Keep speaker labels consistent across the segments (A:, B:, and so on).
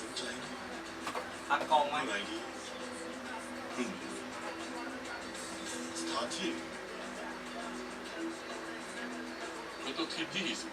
A: พักกองไหม
B: สถานที่มันต้องที่ดีสิ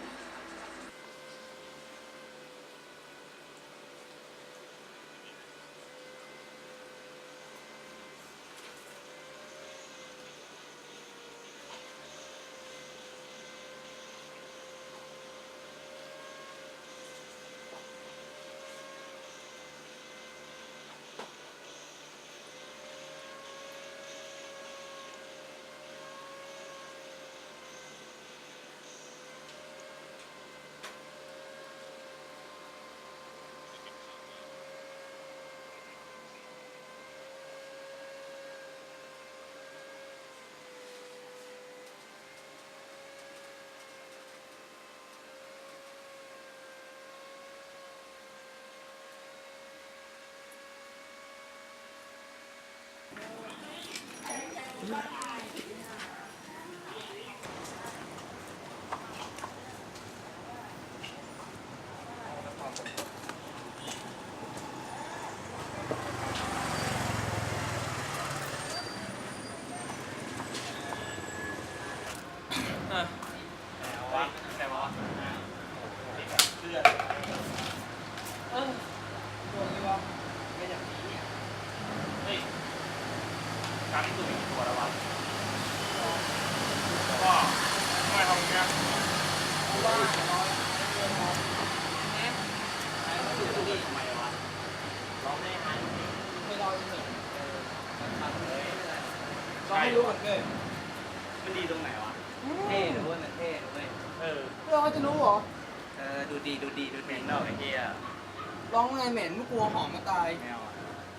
A: แต่ว่าเพื่อนตัวนี้วะไม่อย่างนี้เนี่ยเฮ้ยการที่ตัวมีตัวแล้ววะก็ไม่ทำอย่างเงี้ยเพราะว่าน้อยเกินพอไอ้ตัวนี้ทำไมวะร้องไม่หันไม่ร้องเฉยทำเลยร้องไม่รู้เหมือนกันมันดีตรงไหนวะเท่หรือว่ามันเท่หรือเว้ย
C: เราจะรู้เหรอ
A: ดูดีดูเหม็นดอกไอ้เหี้ย
C: ร้องไงเหม็นไม่กลัวหอมมาตาย
A: ไม่เอาอ่ะ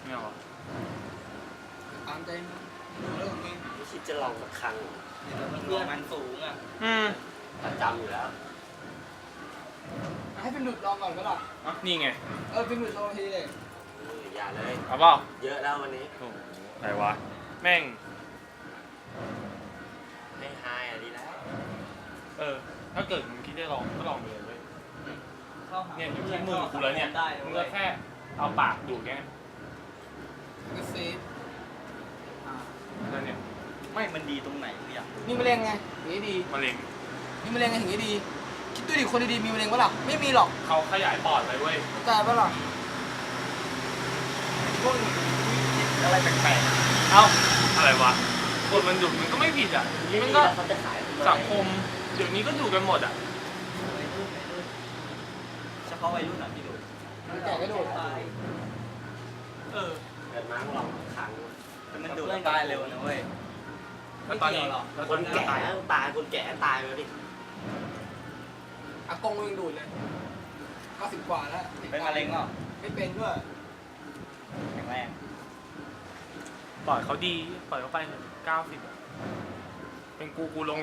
C: ตามใจมึงดูเรื่องมึง
D: ไม่คิดจะลองสักครั้ง
A: เพื่อนมันสูงอ่ะ
D: ประจำอยู่แล้ว
C: ให้เป็นหลุดลองก่อนก็ล่ะ
E: นี่ไง
C: เป็นหลุดลองทีเลย
D: อย่าเลย
E: เอาเปล่า
D: เยอะแล้ววันนี้
E: โอ้โหอะไรวะ แม่ง
D: ให้ไฮอ่ะดีแล้ว
E: ถ้าเกิดมึงคิดจะลองก็ลองไปเลยเว้ยเนี่ยอยู่ที่มือกูแล้วเนี่ย มึงก็แค่เอาปากดูดแค่นั้น
C: ก็เซฟ
E: นั่นเนี่ย
A: ไม่มันดีตรงไหนกูอยาก
C: มีมะเร็งไงอย่างนี้ดี
E: มะเร็ง
C: มีมะเร็งไงอย่างนี้ดี คิดดูดิคนดีๆมีมะเร็งปะล่ะไม่มีหรอก
E: เขาขยายปอดไปเว้ย
C: ใจปะล่ะ
A: พวกอะไรแปลก
E: เอ้า อะไรวะคนมันดูดมันก็ไม่ผิดอ่ะมันก็
D: เขาจะขาย
E: สังคมเดี๋ยวนี้ก็ดูกันหมดอ่ะ
A: ๆวัยรุ่นเฉพาะวัยรุ่นอ่ะที่ดู
C: แก่ก็โดด
D: เกิดมาลองสักครั้ง
A: แต่มันดูดตายเร็วนะเว้ย
E: แล้วตอนนี้
D: คนแก่ตายคนแก่ตายไปดิ
C: อากงมึงดูดเลย90 กว่าแล้ว
A: เป็นมะเร็งหรอ
C: ไม่เป็นด้วย
A: แข็งแรง
E: ปล่อยเขาดีปล่อยเขาไป90อะเป็นกูลง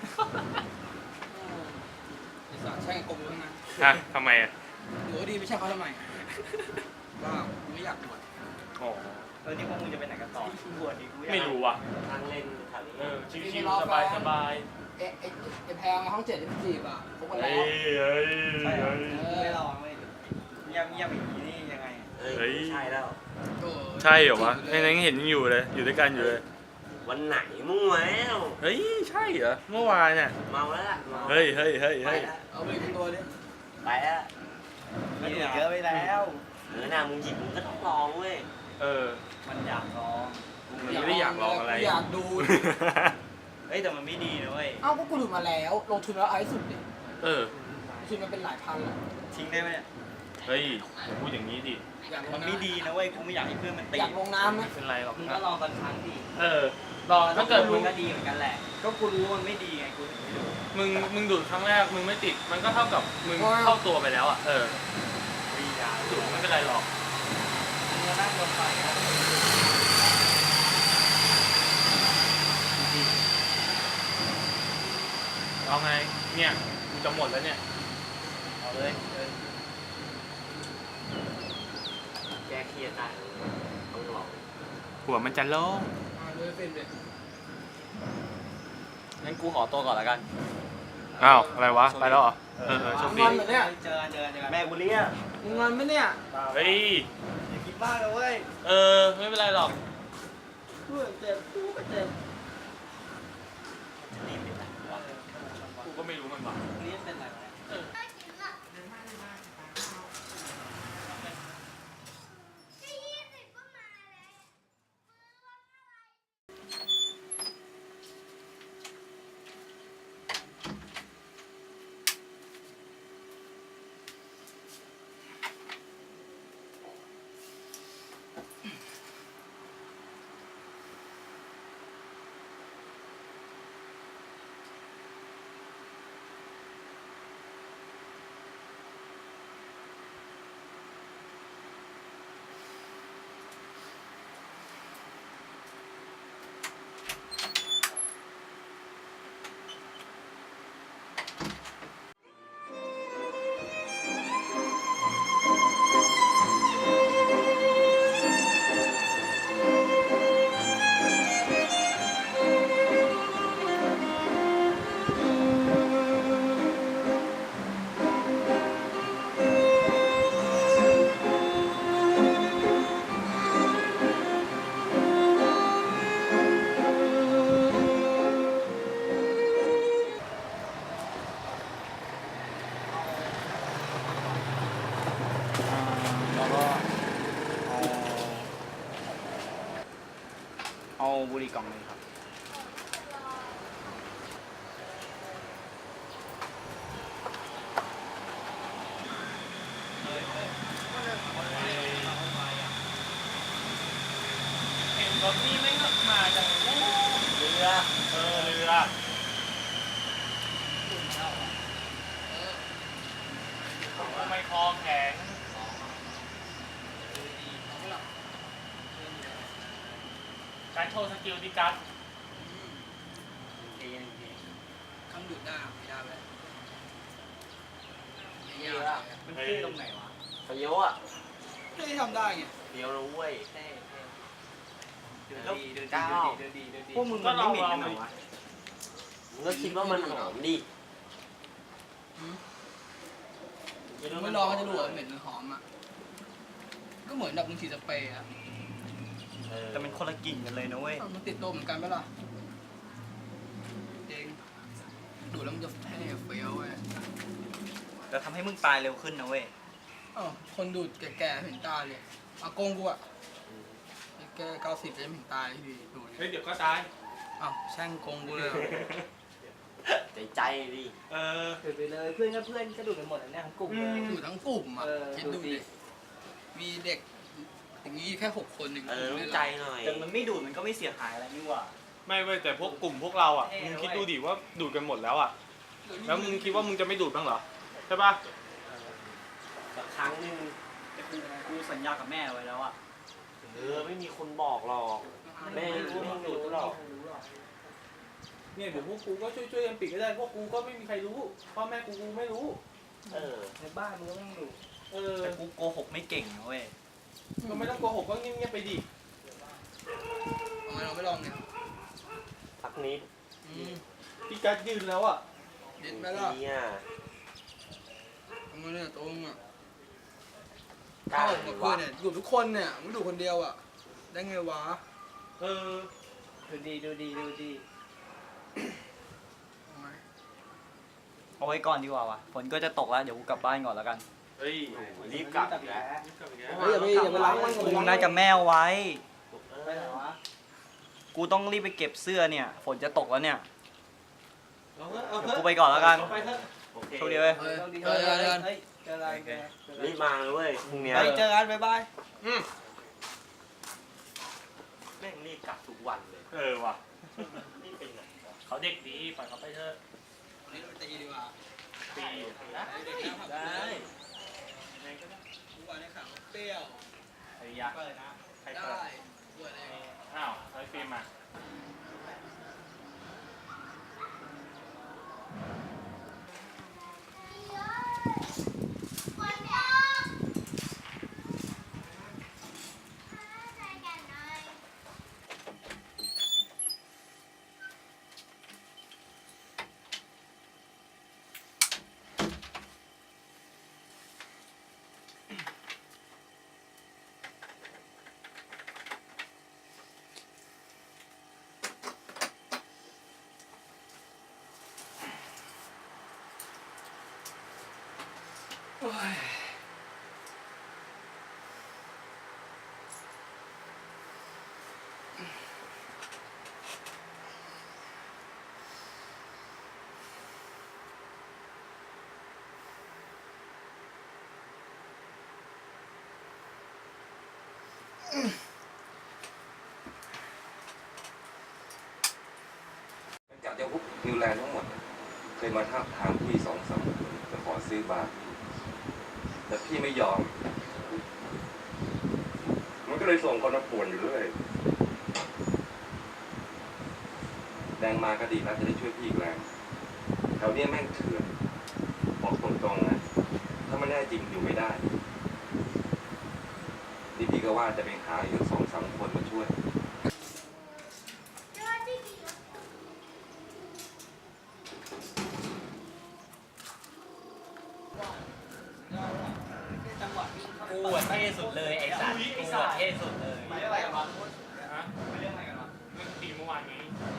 C: ไอ้สัตว์แช่งอากงมึงนะ
E: ฮะทำไมอ่ะ
C: หรือว่าดีไม่ใช่เขาทำไมว้าวกูไม่อยากบวช
E: อ๋อ
A: นี่พวกมึงจะไปไหนกันต่อบวชดิกูอยาก
E: ไม่รู้ว่ะ
D: ทางเล่นแถวนี้
E: ชิวๆสบาย
C: ไอ้แพงห้อง7ที่มันจีบอ่ะพบกัน
E: เฮ้
C: แล้ว
E: ย
A: ใช่เหรอไม่ลองเลยเงียบอย่างนี้นี่ยังไง
D: เฮ้ยใช่แล้ว
E: ใช่เหรอวะในนั้นเห็นยังอยู่เลย อยู่ด้วยกันอยู่เลย
D: วันไหนมั่วแล้ว
E: เฮ้ย ใช่เหรอ เมื่อวานเนี่ย
D: เมาแล้วล่ะ
E: เฮ้ย
D: ไปแล้ว
C: เอาไปเป็นตัวดิ
D: ไปแล้ว
A: มันดูดเยอะไปแล้ว
D: หน้ามึงหยิบมึงก็ต้องลองเว้ย
A: มันอยากลอง
E: มันไม่ได้อยากลองอะไร
C: อยากดู
A: เฮ้ยแต่มันไม่ดีนะเว้ย
C: เอ้าก็กูดูมาแล้ว ลงทุนแล้วเอาให้สุดดิ ลงทุนมันเป็นหลายพันแล้ว
A: ทิ้งได้ไหมเนี่ย
E: เฮ้ยอย่าพูดอย่างนี้ดิ
C: อยากล
A: มั
C: ง
A: น
C: น้ำ
A: ไม่ดีนะเว้ยกูไม่อยากให้เพื่อนมันตี
C: อยากลงน้ำไหม
E: ไม่เป็นไรหรอก
A: มึงก็ลองสักครั้งดิ
E: ลองถ้าเกิดมึ
A: มึ
E: ง
A: งก็ดีเหมือนกันแหละ ก็กูรู้มันไม่ดีไงกูถึงไม่ดู
E: มึงดูดครั้งแรกมึงไม่ติด มันก็เท่ากับมึงเข้าตัวไปแล้วอ่ะ
A: ดียา
E: ดูดไม่เป็นไรหรอก
A: มึงก็นั่งลงไปนะ
E: เอาไง เนี่ยกูจะหมดแล้วเนี่ย
A: เอาเลย
D: แก้เครียดได้ต้องลอง
E: หัวมันจะโล่ง
C: เลยเป็นเลย
A: งั้นกูขอตัวก่อนแล้วกัน
E: เอ้าวอะไรวะไปแล้วเหรอโชค
C: ง
E: ดี
C: อนเหรอเนี่ย
A: เจอกัน
D: แม่กูเรียก
C: มึงงอนไหมเนี่ย
E: เฮ้ย
A: อย่าคิดบ้าเลยเว้ย
E: ไม่เป็นไรหรอก
A: เพื่อนเจ็บกูก็เจ็บ
E: กูก็ไม่รู้มันว่ะ
A: นี่เป็นไรวะ
D: แล้วก็เอาบุหรี่กล่องหนึงครับ
E: เห็นรถนี่ไม่งมาจากเรือ เรือทำไมคอแข็งการโชว์สกิลดิกัส
C: คำดูดหน้าไม่ได้เลย
D: เยอะอะ
A: มันเท่ตรงไหนวะ
D: เฟี้ยวอ่ะ
C: ไม่ได้ทำได้ไง
D: เฟี้ยวนะเว้ย
A: เท่ดู
D: แล้ว
A: ดีดู
D: ก้าว
A: ดี
D: พวกมึงมันไม่เหม็นกันเหรอวะมึงก็คิดว่ามันหอมดิ
C: ไม่ลองก็จะรู้ว่าเหม็นหรือหอมอ่ะ ก็เหมือนแบบมึงฉีดสเปรย์อ่ะ
A: แต่มันคนละกลิ่นกันเลยนะเว้ย
C: มันติดตัวเหมือนกันไหมล่ะจริงดูดแล้วมันจะเท่เฟี้ยวเว้ย
A: แต่ทำให้มึงตายเร็วขึ้นนะเว้ย
C: คนดูดแก่ๆเห็นตาเลยอากงกูอ่ะแก90จะเห็นตายที่ดูด
E: เฮ้ยเดี๋ยวก็ตาย
C: แช่งกงกูเลย
D: ใจดิ
A: ถือไปเลยเพื่อนก็เพื่อนก็ดูดกันหมดอันเนี้ยทั้งกลุ่มเลย
C: ดูดทั้งกลุ่มอ่ะ คิดดู
A: ดู
C: ดิ
A: ดิ
C: มีเด็กอย่างนี้แค่6 คนเอง
D: รู้ใจหน่อย
A: แต่มันไม่ดูดมันก็ไม่เสียหายอะไรนี่หว่า
E: ไม่เว้ยแต่พวกกลุ่มพวกเราอ่ะ
A: เท่
E: มึง
A: นะ
E: คิด
A: เว้ย
E: ดูดิว่าดูดกันหมดแล้วอ่ะ แล้วมึงคิดว่ามึงจะไม่ดูดบ้างเหรอ ใช่ป่ะ
D: สักครั้งหนึง
A: แต่กูสัญญากับแม่ไว้แล้วอ่ะ
D: ไม่มีคนบอกหรอก แม่รู้ว่ามึงดูดหรอก
E: เนี่ยเดี๋ยวพวกกูก็ช่วยกันปิดก็ได้ พวกกูก็ไม่มีใครรู้ พ่อแม่กูไม่รู้
A: ในบ้านมึงก็ไม่ต้องดู
E: เออ
A: แต่กูโกหกไม่เก่งนะเว้ย
E: ก็ไม่ต้องโกหกก็เงียบๆไปดิ
C: ทำไมเราไม่ลองเนี่ย
D: สักนิด
E: พี่กัดยืนแล้วอ่ะ
C: เด็ดไหมล่ะ
D: เนี่ย
C: ทำไมเนี่ยตรงอ่ะ
D: กล้า
C: เข้ากับเพื่อนเนี่ยดูดทุกคนเนี่ยไม่ดูคนเดียวอ่ะ ได้ไงวะ
E: เออ
A: ดูดี
C: ทำไม
A: เอาไว้ก่อนดีกว่าวะฝนก็จะตกแล้วเดี๋ยวกูกลับบ้านก่อนแล้วกัน
E: เฮ้ย
D: รีบกลับอีกแล้ว
C: เฮ้ยอย่าไปล้างมันก่อน
A: กูน่าจะแม่เอาไว้
D: ไปไหนวะ
A: กูต้องรีบไปเก็บเสื้อเนี่ยฝนจะตกแล้วเนี่ย
E: เอาเถอะเอา
A: เดี๋ยว
E: เถอะ
A: กูไปก่อนแล้วกัน
E: เอาไปเถอะ
D: โอเค
A: โชคดีเว้ย
C: เฮ้ยเจอกัน
D: รีบมาเลยเว้ยพรุ่งเนี้ย
A: ไปเจอกันบ๊ายบาย
D: แม่งรีบกลับทุกวันเลย
E: เออว่ะ
D: รีบไปไหนวะ
E: เขาเด็กดีปล่อยเขาไปเถอะ
C: นี่เราตีดีกว่า
E: ปี
C: ได้ได้ ทุกวันนี้ข่าวเปรี้ยว
E: ไอ้ยักษ์ใคร
C: ได้
E: เปิด
C: ด้วยเลย
E: อ้าวไอ้ฟิล์มมา
F: จากจะฮุบนิวแลนด์ทั้งหมดเคยมาท้าบทามพี่2-3 คนจะขอซื้อบาร์พี่แต่พี่ไม่ยอม มันก็เลยส่งคนมาป่วนอยู่เรื่อยแดงมาก็ดีแล้วจะได้ช่วยพี่อีกแรงแถวนี้แม่งเถื่อนบอกตรงๆนะถ้าไม่แน่จริงอยู่ไม่ได้นี่พี่ก็ว่าจะไปหาอีก2-3 คนมาช่วย
A: กูอ่ะเท่สุดเลยไอ้สัตว์กูอ่ะเท่สุดเลย
C: ไปอะไรกันวะ
E: ฮะ
C: ไปเรื่องอะไรกันวะ
E: เรื่องตีเมื่อวานนี้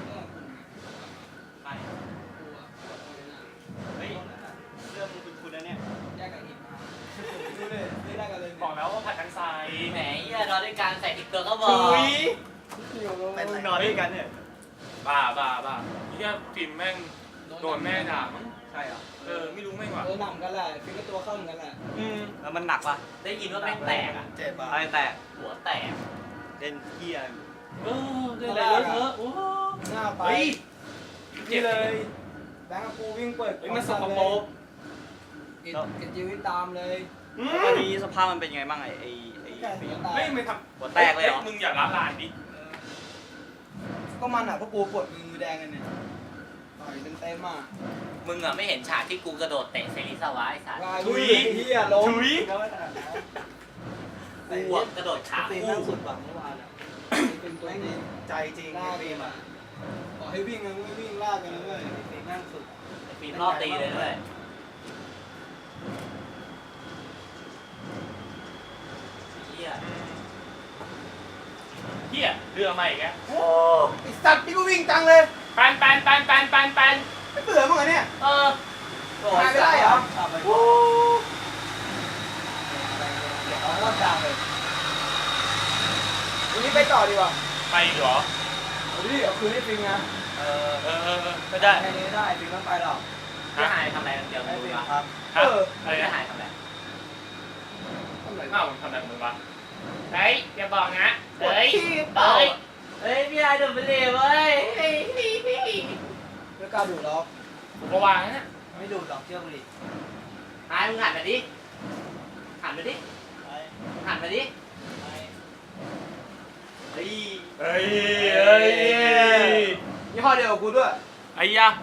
A: ไป
C: กูอะ
A: เฮ้ยเรื่องมึงคุณนะเนี่ย
C: แยกกันอีกมาดูเลยไม่ได้กันเลย
E: บอกแล้วว่าผัดทั้งทราย
A: แหมเหี้ยนอนด้วยกันใส่ติ๊กเกอร์ก็บอก
C: เป็นไร
A: นอนด้วยกันเนี่ย
E: บ้าที่ฟิล์มแม่งโดนแม่ด่ามั้ง
A: ใช่เหรอ
E: ไม่รู้แม่งว่ะ
C: หนำกันแหละฟิกก็ตัวเข้าเหมือนกันแหละ
A: แล้วมันหนักปะได้ยินว่าแม่งแตกอ่ะ
C: เจ็บอ่ะ
A: อะไรแตกหัวแตกเล่นเหี้ย
E: ได้อะไรเลอะเทอะโอ้
C: หน้าไป
A: เฮ้ย
C: นี่เลยแบงค์กับกูวิ่งเปิด
E: มันสกปรก
C: กินจีวิตตามเลย
A: ตอนนี้สภาพมันเป็นยังไงบ้างไอ้
C: แค่สีตา
E: ไม่ไม่ท
A: หัวแตกเลยเหรอ
E: มึงอย่าละลานดิ
C: ก็มันอ่ะพวกกูปวดมือแดงกันเนี่ยต่อยเต็มๆอ่ะ
A: มึงอ่ะไม่เห็นฉากที่กูกระโดดเตะเซริสวะไอ้สัตว์
C: ลายลุยเฮียล้ม
A: กูอ่ะกระโดดขา
C: ตี
A: คู่
C: นั่งสุดหวังเมื่อวานอ่ะเป็นตัวนี้ใจจริงลากฟิล์มอ่ะขอให้วิ่งนะไม่วิ่งลากกันนะเว้ยตีนั่งสุด
A: ไอ้ฟิล์มรอบตีเลยด้วยเหี้ย
E: เฮียเรือใหม่แก
C: โอ้ไอสัตว์ที่กูวิ่งจังเลย
E: ปัน
C: ไม่เบื่อมั้งเหรอเนี่ย
A: เออ
C: หายไปได้เหรอโอ้เอารอบดังเลยวันนี้ไปต่อดีกว่า
E: ไปอีกเหรอ
C: เอาดิเอาคืนให้ฟิงนะ
A: เออ
E: ไม่ได้
C: แค่นี้ได้ฟิงต้องไปหรอก
A: พี่หายทำอะไรกันเดียว
C: ให้
A: มึง
C: ฟิง
A: วะ
C: ครับ
E: ฮะอะไร
A: พี่
E: นะ
A: หายทำอะไร
C: ทำไร
E: อ้าวมึงทำอะไรของมึงวะเฮ้ยอย่าบอกนะ
C: ปวด
E: เฮ้ย
C: ขี้เปล่า
A: เฮ้ยพี่หายโดนไปเลยเว้ย
C: ไม่กล้าดูหรอก
E: ผมก็วางนะ
C: ไม่ดูหรอกเชื่อกูดิ
A: หายมึงหันมาดิหันมาดิหันมาดิเฮ้ย
E: เฮ้ย
C: ยี่ห้อเดียวกับกูด้วย
E: ไอ้ยะ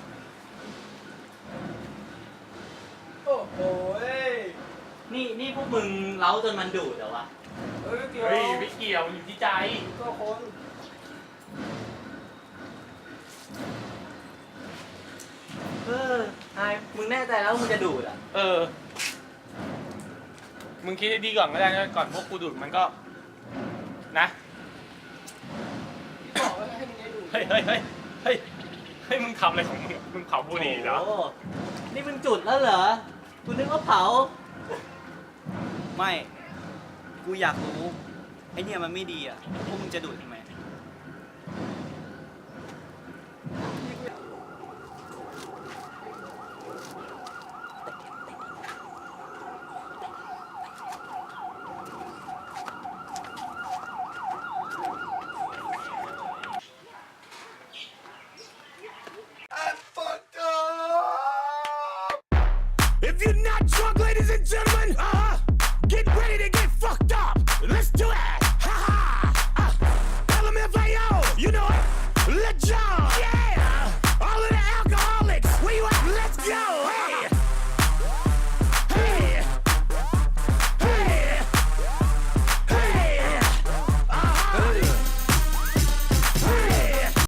C: โอ้โห
A: นี่พวกมึงเล้าจนมันดูดเหรอวะ
C: เฮ้ยเกี่ยว
E: เฮ้ยไม่เกี่ยวมันอยู่ที่ใจ
C: ก็คน
A: หายมึงแน่ใจแล้วมึงจะดูดอ่ะ
E: มึงคิดให้ดีก่อนก็ได้นะก่อนพวกกูดูดมันก็นะ
C: บอกว่าให้มึงได้ดู
E: เฮ้ยมึงทำอะไรของมึงมึงเผาบุหรี่เหรอ
A: โนี่มึงจุดแล้วเหรอกูนึกว่าเผา
G: ไม่ กูอยากรู้ ไอเนี่ยมันไม่ดีอ่ะ พวกมึงจะดูดทำไม
H: If you're not drunk, ladies and gentlemen,